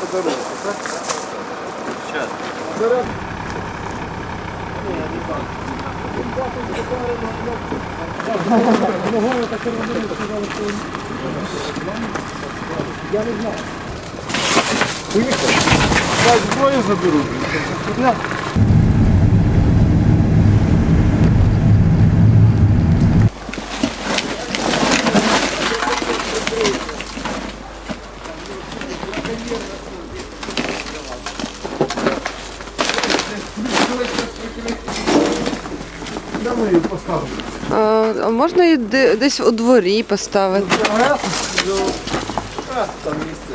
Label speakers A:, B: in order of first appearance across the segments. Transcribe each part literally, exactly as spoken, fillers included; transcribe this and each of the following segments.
A: дорогу, так? Сейчас. Зараз. Я не знаю. Поїхали. Так, зброю заберу. Де ми її поставимо?
B: А можна її десь у дворі поставити?
A: Там місце.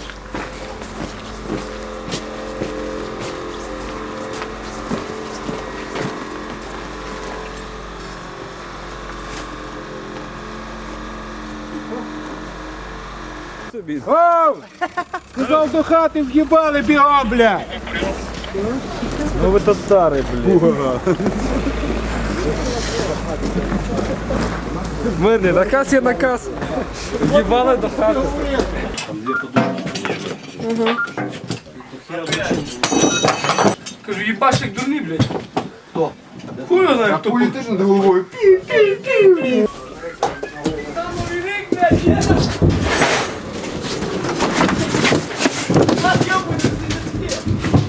A: Оу! Сказав, до хати в'їбали бігом, бля! Ну ви то старий, бля. В мене наказ є наказ. В'їбали до хати.
B: Угу.
C: Кажу, їбаш як дурний, блядь. Хто? Хуй знає, хто.
A: Пулі теж над головою.
C: Там новий рік, блядь, є. Нас йобують, не таке.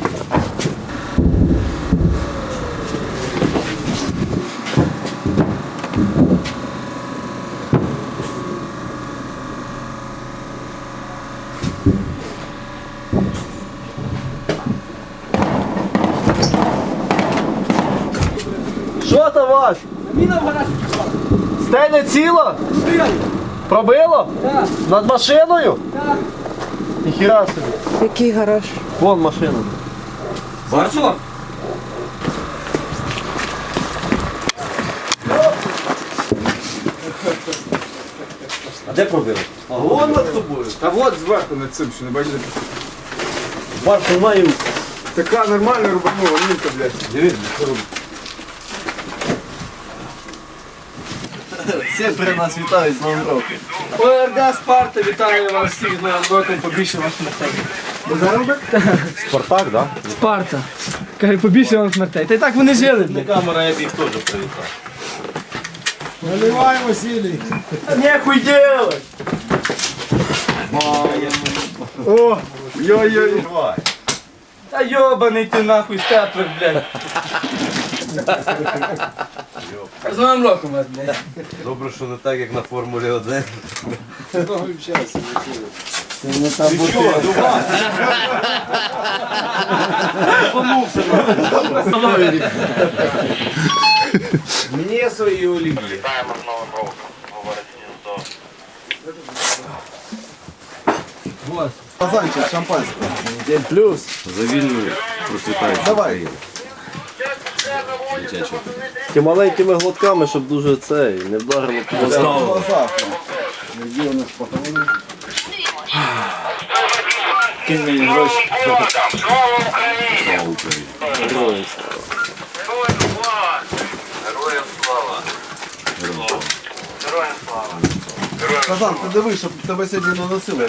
D: Що там ваш?
C: Міна в гараж пішла.
D: Стеля ціла?
C: Стріляй.
D: Пробило?
C: Так,
D: Над машиною?
C: так.
D: Ніхіра собі.
B: Який гараж?
D: Вон машина.
C: Барсо?
D: А де пробило? А вон над тобою.
A: Та от зверху над цим, що не бачите.
D: Барсу маю.
A: Така нормальна рубанула, мінка, блядь.
D: Дивись, що робить. Всі при нас вітають з Новим роком.
C: ОРД Спарта вітає вас всіх з Новим роком, побільше вас смертей.
D: Спартак, так?
C: Спарта. Каже, побільше вам смертей. Та й так вони жили, блядь.
D: Камера, я б їх теж привітав.
A: Наливай, Василій.
C: Нехуй делать!
A: О, йой-йой.
C: Та йобаний ти нахуй степлер, блядь. З Новим роком вас, блядь.
D: Добре, що не так, як на Формулі один.
A: Мені свої олів'ї.
E: Вітаємо з Новим роком, говорить гніздо.
A: Казанчик, шампанське.
D: День плюс. За вільну процвітаючу
A: Давай.
D: Ті маленькими глотками, щоб дуже цей, не вдарило по голову.
A: Где у нас патроны?
D: Кинь мені гроші.
E: Слава Україні!
D: Героям
E: Героям слава! Героям слава! Героям слава!
A: Казан, ти диви, щоб тебе сьогодні не носили.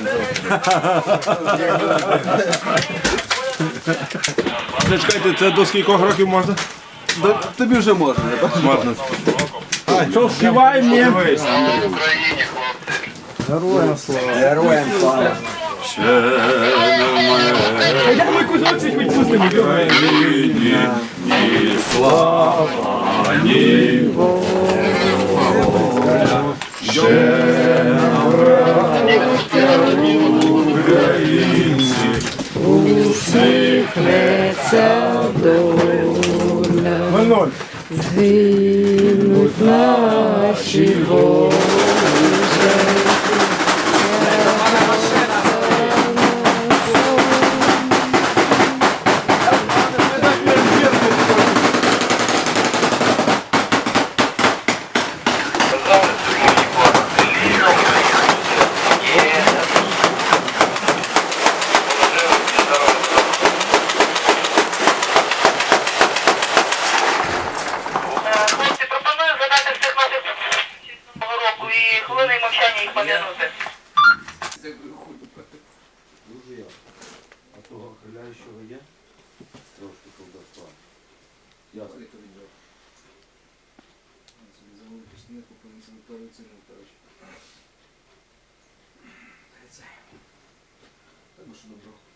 F: Чекайте, це до скількох років можна?
A: Тобі вже можна, я бачу.
F: Можна.
C: Що співай мені?
E: Слава Україні, хлопці!
A: Героям слава.
C: Я ми кусочок відпустимо.
B: Усміхнеться доля, згинуть наші волі.
E: Хлопці, пропоную задати всіх наших
A: того хиляючого є? Трошки колдовства. Ясно.
C: Так, що добро.